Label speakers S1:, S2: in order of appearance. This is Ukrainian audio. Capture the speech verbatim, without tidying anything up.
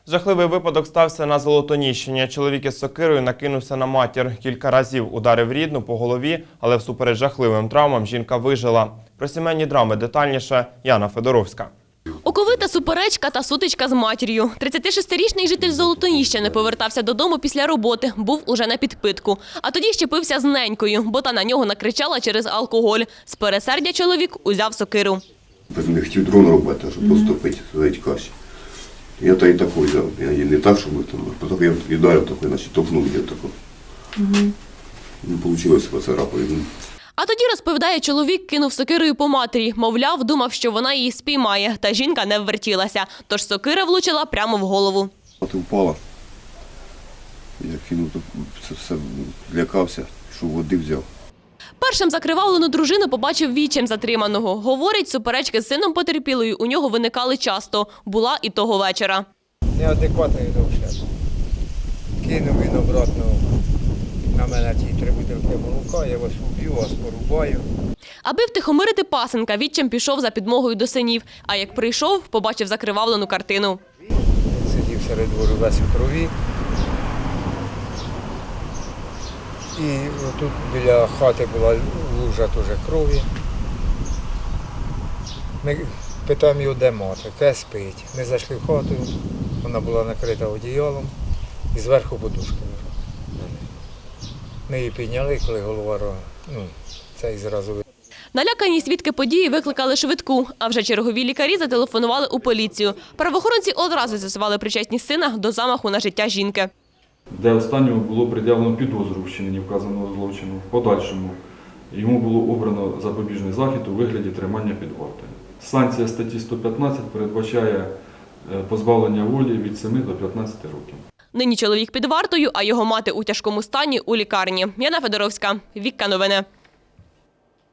S1: Жахливий випадок стався на Золотоніщині. Чоловік із сокирою накинувся на матір. Кілька разів ударив рідну по голові, але всупереч жахливим травмам жінка вижила. Про сімейні драми детальніше Яна Федоровська.
S2: Оковита суперечка та сутичка з матір'ю. тридцятишестирічний житель Золотоніщини повертався додому після роботи, був уже на підпитку. А тоді щепився з ненькою, бо та на нього накричала через алкоголь. З пересердя чоловік узяв сокиру.
S3: Не хотів дрон робити, щоб просто пити, зварити каші. Я та і таку взяв. Я її не так, щоб там, а потім я віддарив такий, значить топнув її таку. Угу. Не вийшло поцарапати.
S2: А тоді, розповідає, чоловік кинув сокирою по матері. Мовляв, думав, що вона її спіймає, та жінка не ввертілася. Тож сокира влучила прямо в голову.
S3: Ти впала. Я кинув, це все злякався, що води взяв.
S2: Першим закривавлену дружину побачив відчим затриманого. Говорить, суперечки з сином потерпілої у нього виникали часто. Була і того вечора.
S4: Неадекватний довше. Кинув він обратно на мене ті три бутилки молока, я вас уб'ю, вас порубаю.
S2: Аби втихомирити пасенка, відчим пішов за підмогою до синів. А як прийшов, побачив закривавлену картину.
S4: Він сидів серед двору весь у крові. І тут біля хати була лужа теж крові. Ми питаємо його, де мати, те спить. Ми зайшли в хату, вона була накрита одіялом і зверху подушка. Ми її підняли, коли голова, ну, це і зразу.
S2: Налякані свідки події викликали швидку, а вже чергові лікарі зателефонували у поліцію. Правоохоронці одразу з'ясували причетність сина до замаху на життя жінки.
S5: Де останньому було пред'явлено підозру в вчиненні вказаного злочину. В подальшому йому було обрано запобіжний захід у вигляді тримання під вартою. Санкція статті сто п'ятнадцять передбачає позбавлення волі від семи до п'ятнадцяти років.
S2: Нині чоловік під вартою, а його мати у тяжкому стані у лікарні. Яна Федоровська, Вікка Новини.